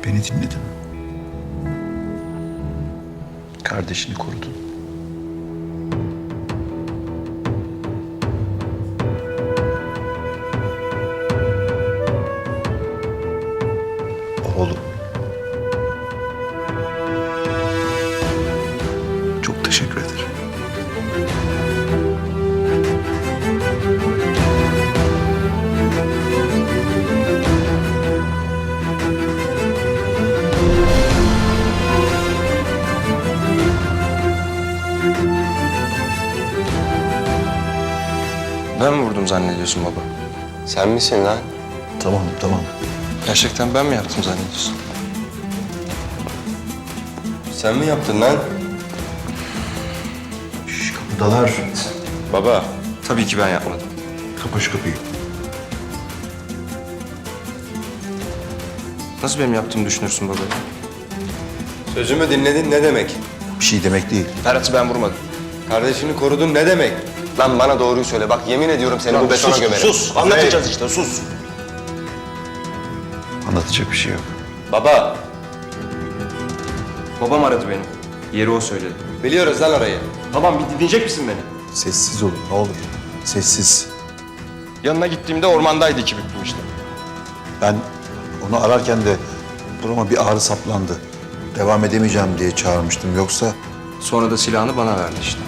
Beni dinledin. Kardeşini korudun. Oğlum. Çok teşekkür ederim. Ben mi vurdum zannediyorsun baba? Sen misin lan? Tamam, tamam. Gerçekten ben mi yaptım zannediyorsun? Sen mi yaptın lan? Şş, kapıdalar. Baba. Tabii ki ben yapmadım. Kapa şu kapıyı. Nasıl benim yaptığımı düşünürsün baba? Sözümü dinledin ne demek? Bir şey demek değil. Ferhat'ı ben vurmadım. Kardeşini korudun ne demek? Lan bana doğruyu söyle. Bak yemin ediyorum seni bu betona gömerim. Sus, anlatacağız işte, sus. Anlatacak bir şey yok. Baba. Babam aradı beni. Yeri o söyledi. Biliyoruz lan orayı. Babam bir dinleyecek misin beni? Sessiz olun ne olur. Sessiz. Yanına gittiğimde ormandaydı iki büklüm işte. Ben onu ararken de burama bir ağrı saplandı. Devam edemeyeceğim diye çağırmıştım. Yoksa Sonra da silahını bana verdi işte.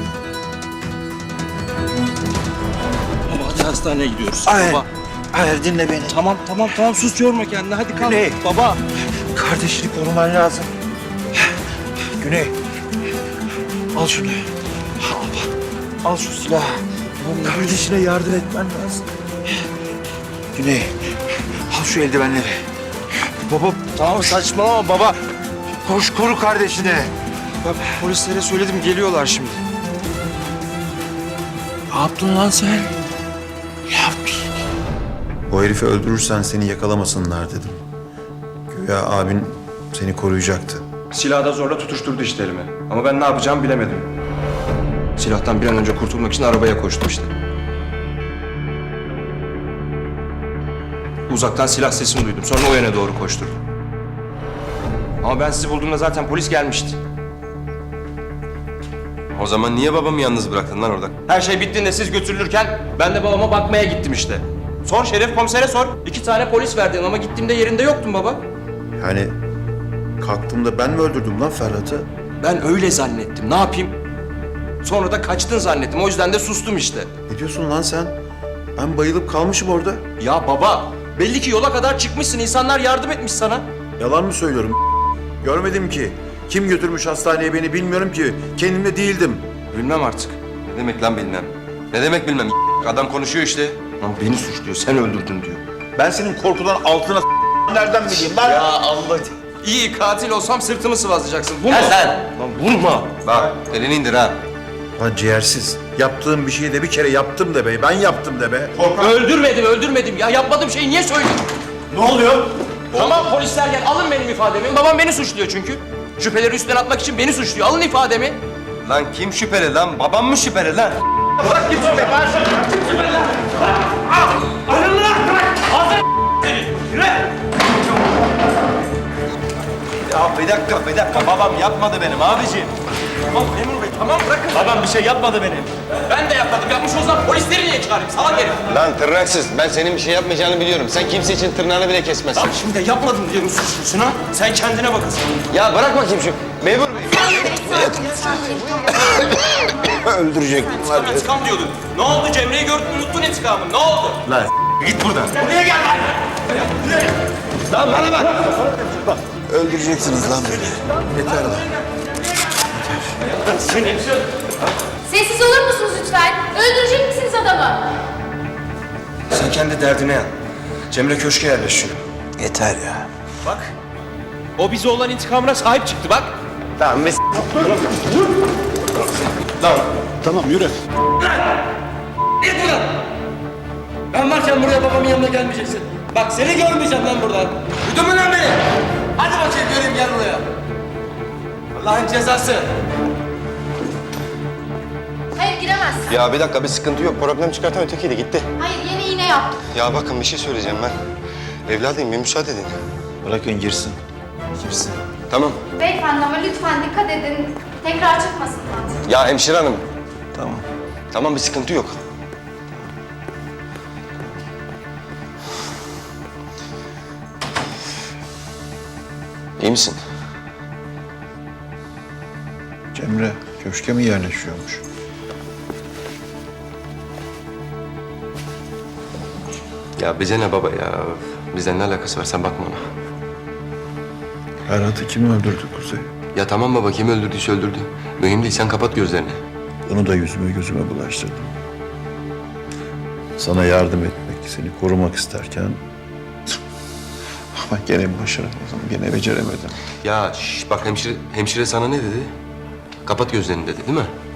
Baba hadi hastaneye gidiyoruz. Hayır. Baba. Hayır dinle beni. Tamam sus yorma kendini hadi kalk. Güney. Baba. Kardeşini koruman lazım. Güney. Al şunu. Al şu silahı. Kardeşine yardım etmen lazım. Güney. Al şu eldivenleri. Baba Tamam saçmalama baba. koş koru kardeşini. Ben polislere söyledim, geliyorlar şimdi. Ne yaptın lan sen? O herifi öldürürsen seni yakalamasınlar dedim. Güya abin seni koruyacaktı. Silahı da zorla tutuşturdu işte elime. Ama ben ne yapacağımı bilemedim. Silahtan bir an önce kurtulmak için arabaya koştum işte. Uzaktan silah sesini duydum. Sonra o yöne doğru koşturdum. Ama ben sizi bulduğumda zaten polis gelmişti. O zaman niye babamı yalnız bıraktın lan orada? Her şey bittiğinde siz götürülürken ben de babama bakmaya gittim işte. Sor Şeref komisere sor. 2 tane polis verdin ama gittiğimde yerinde yoktun baba. Yani kalktığımda ben mi öldürdüm lan Ferhat'ı? Ben öyle zannettim. Ne yapayım? Sonra da kaçtın zannettim. O yüzden de sustum işte. Ne diyorsun lan sen? Ben bayılıp kalmışım orada. Ya baba, belli ki yola kadar çıkmışsın. İnsanlar yardım etmiş sana. Yalan mı söylüyorum? Görmedim ki. Kim götürmüş hastaneye beni bilmiyorum ki. Kendimde değildim. Bilmem artık. Ne demek lan bilmem? Ne demek bilmem? Adam konuşuyor işte. Lan beni suçluyor. Sen öldürdün diyor. Ben senin korkudan altına nereden bileyim lan? Ya Allah. İyi katil olsam sırtımı sıvazlayacaksın. Vurma. sen. Lan vurma. Bak elini indir ha. Lan ciğersiz. Yaptığım bir şeyi de bir kere yaptım de be. Ben yaptım de be. Öldürmedim. Ya yapmadığım şeyi niye söylüyorsun? Ne oluyor? Tamam polisler gel. Alın benim ifademi. Babam beni suçluyor çünkü. Şüpheleri üstten atmak için beni suçluyor. Alın ifademi. Lan kim şüpheli lan? Babam mı şüpheli lan? Ya bir dakika. Babam yapmadı benim abiciğim. Tamam memur bey tamam bırakın. Babam bir şey yapmadı benim. Ben de yapmadım. Yapmış o zaman polisleri niye çağırayım? Salak herif. Lan tırnaksız. Ben senin bir şey yapmayacağını biliyorum. Sen kimse için tırnağını bile kesmezsin. Lan şimdi de yapmadım diye mi suçlusun ha? Sen kendine bakasın. Ya bırak bakayım şu. Memur bey. Öldürecek bunlar. İntikam diyordun. Ne oldu Cemre'yi gördün unuttun intikamı. Ne oldu? Lan git buradan. Buraya gel lan. Lan bana bak. Öldüreceksiniz lan beni. Yeter lan. Sessiz olur musunuz lütfen? Öldürecek misiniz adamı? Sen kendi derdine yan. Cemre köşke yerleşiyor. Yeter ya. Bak. O bize olan intikamına sahip çıktı bak. Tamam biz... Ben varken buraya babamın yanına gelmeyeceksin. Bak seni görmeyeceğim lan buradan. Duydun mu lan beni? Hadi bakayım göreyim gel buraya. Allah'ın cezası. Hayır giremezsin. Ya bir dakika bir sıkıntı yok. Problem çıkartan ötekiydi gitti. Hayır yeni iğne yaptım. Ya bakın bir şey söyleyeceğim ben. Evladım bir müsaade edin. Bırakın girsin. Kimsin? Tamam. Beyefendi ama lütfen dikkat edin. Tekrar çıkmasınlar. Ya hemşire hanım. Tamam. Tamam, bir sıkıntı yok. İyi misin? Cemre köşke mi yerleşiyormuş? Ya bize ne baba ya? Bizden ne alakası var? Sen bakma ona. Ferhat'ı kim öldürdü Kuzey? Ya tamam baba, kim öldürdüyse öldürdü. Mühim değil, sen kapat gözlerini. Onu da yüzüme gözüme bulaştırdım. Sana yardım etmek, seni korumak isterken... Ama gene başaramadım, gene beceremedim. Ya bak hemşire sana ne dedi? Kapat gözlerini dedi değil mi?